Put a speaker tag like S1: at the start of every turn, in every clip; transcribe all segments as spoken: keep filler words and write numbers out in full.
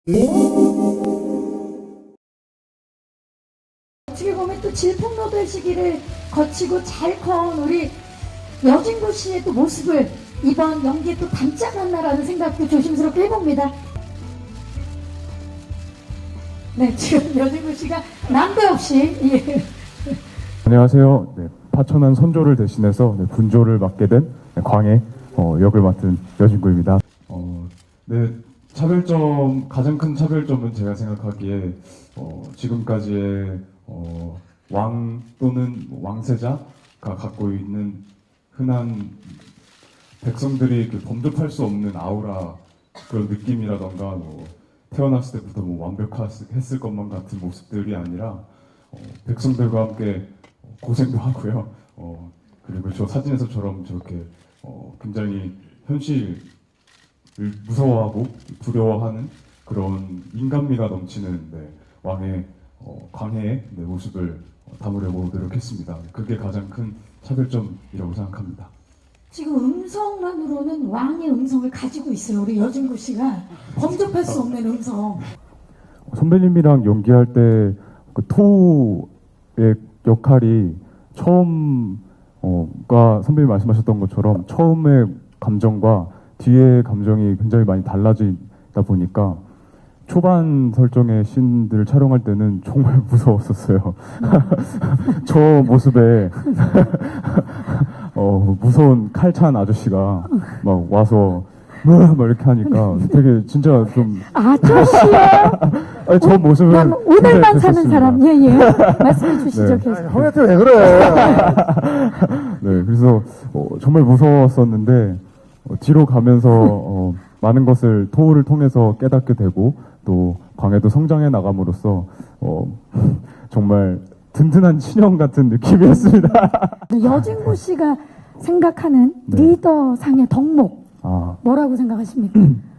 S1: 어떻게 보면 또 질풍노도의 시기를 거치고 잘 커온 우리 여진구 씨의 또 모습을 이번 연기에 또 담지 않았나라는 생각도 조심스럽게 해봅니다. 네, 지금 여진구 씨가 난데없이 예.
S2: 안녕하세요. 네, 파천한 선조를 대신해서 네, 군조를 맡게 된 네, 광해 어, 역을 맡은 여진구입니다. 어, 네, 차별점 가장 큰 차별점은 제가 생각하기에 어, 지금까지의 어, 왕 또는 왕세자가 갖고 있는 흔한 백성들이 그 범접할 수 없는 아우라 그런 느낌이라던가 뭐 태어났을 때부터 뭐 완벽했을 것만 같은 모습들이 아니라 어, 백성들과 함께 고생도 하고요. 어, 그리고 저 사진에서처럼 저렇게 어, 굉장히 현실을 무서워하고 두려워하는 그런 인간미가 넘치는 네, 왕의 어, 광해의 네, 모습을 담으려고 노력했습니다. 그게 가장 큰 차별점이라고 생각합니다.
S1: 지금 음성만으로는 왕의 음성을 가지고 있어요. 우리 여진구 씨가 범접할 수 없는 음성.
S2: 선배님이랑 연기할 때 그 토의 역할이 처음 어가 선배님 말씀하셨던 것처럼 처음의 감정과 뒤의 감정이 굉장히 많이 달라지다 보니까 초반 설정의 씬들을 촬영할 때는 정말 무서웠었어요. 저 모습에 어, 무서운 칼찬 아저씨가 막 와서 막 이렇게 하니까 되게 진짜 좀
S1: 아저씨야.
S2: 아니, 저 모습은
S1: 난 오늘만 사는
S2: 됐었습니다.
S1: 사람. 예예. 말씀해 주시죠.
S2: 네.
S1: 계속.
S3: 형한테 왜 그래?
S2: 네, 그래서 어, 정말 무서웠었는데 어, 뒤로 가면서 어, 많은 것을 토우를 통해서 깨닫게 되고 또 광해도 성장해 나감으로써 어, 정말 든든한 친형 같은 느낌이었습니다.
S1: 여진구 씨가 생각하는
S2: 네.
S1: 리더상의 덕목
S2: 아,
S1: 뭐라고 생각하십니까?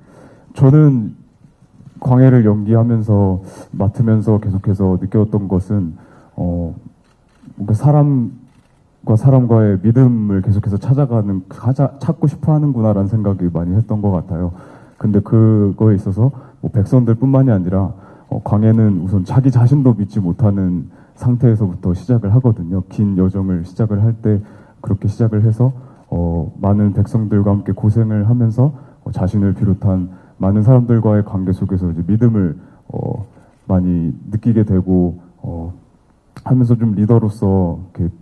S2: 저는 광해를 연기하면서 맡으면서 계속해서 느꼈던 것은 어, 뭔가 사람과 사람과의 믿음을 계속해서 찾아가는 찾아, 찾고 싶어 하는구나라는 생각이 많이 했던 것 같아요. 근데 그거에 있어서 뭐 백성들뿐만이 아니라 어, 광해는 우선 자기 자신도 믿지 못하는 상태에서부터 시작을 하거든요. 긴 여정을 시작을 할 때 그렇게 시작을 해서 어, 많은 백성들과 함께 고생을 하면서 어, 자신을 비롯한 많은 사람들과의 관계 속에서 이제 믿음을 어, 많이 느끼게 되고 어, 하면서 좀 리더로서 이렇게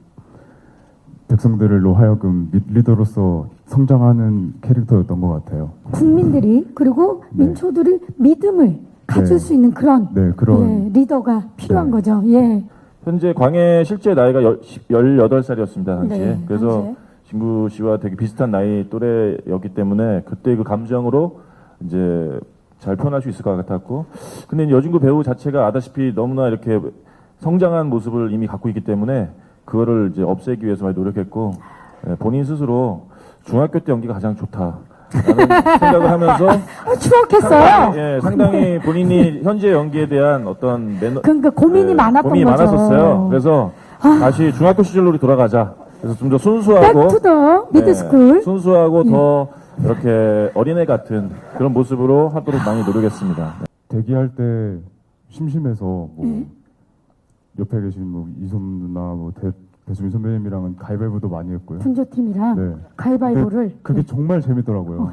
S2: 백성들로 하여금 미, 리더로서 성장하는 캐릭터였던 것 같아요.
S1: 국민들이 그리고
S2: 네.
S1: 민초들이 믿음을 가질
S2: 네.
S1: 수 있는 그런,
S2: 네, 그런
S1: 예, 리더가 필요한
S2: 네.
S1: 거죠. 예.
S4: 현재 광해 실제 나이가 열여덟 살이었습니다, 당시에.
S1: 네,
S4: 그래서
S1: 당시에.
S4: 진구 씨와 되게 비슷한 나이 또래였기 때문에 그때 그 감정으로 이제 잘 표현할 수 있을 것 같았고. 근데 여진구 배우 자체가 아다시피 너무나 이렇게 성장한 모습을 이미 갖고 있기 때문에 그거를 이제 없애기 위해서 많이 노력했고, 예, 본인 스스로 중학교 때 연기가 가장 좋다. 라는 생각을 하면서
S1: 어, 추억했어요.
S4: 상당히, 예, 상당히 본인이 현재 연기에 대한 어떤 매너,
S1: 그러니까 고민이
S4: 예,
S1: 많았던
S4: 고민이
S1: 거죠.
S4: 많았었어요. 그래서 다시 중학교 시절로 돌아가자. 그래서 좀 더 순수하고
S1: 백투더
S4: 네,
S1: 미드스쿨.
S4: 순수하고 더 이렇게 어린애 같은 그런 모습으로 하도록 많이 노력했습니다.
S2: 대기할 때 심심해서 뭐
S1: 네.
S2: 옆에 계신 뭐 이솜 누나, 뭐 대, 배수민 선배님이랑은 가위바위보도 많이 했고요.
S1: 분조팀이랑
S2: 네.
S1: 가위바위보를
S2: 근데 그게
S1: 네.
S2: 정말 재밌더라고요.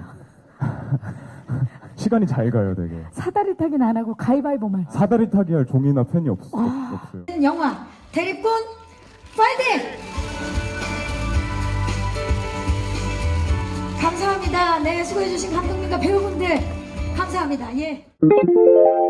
S2: 시간이 잘 가요, 되게.
S1: 사다리 타기는 안 하고 가위바위보만.
S2: 사다리 타기 할 종이나 펜이 없,
S1: 아.
S2: 없어요.
S1: 영화 대립군 파이팅! 감사합니다. 네, 수고해주신 감독님과 배우분들 감사합니다. 예.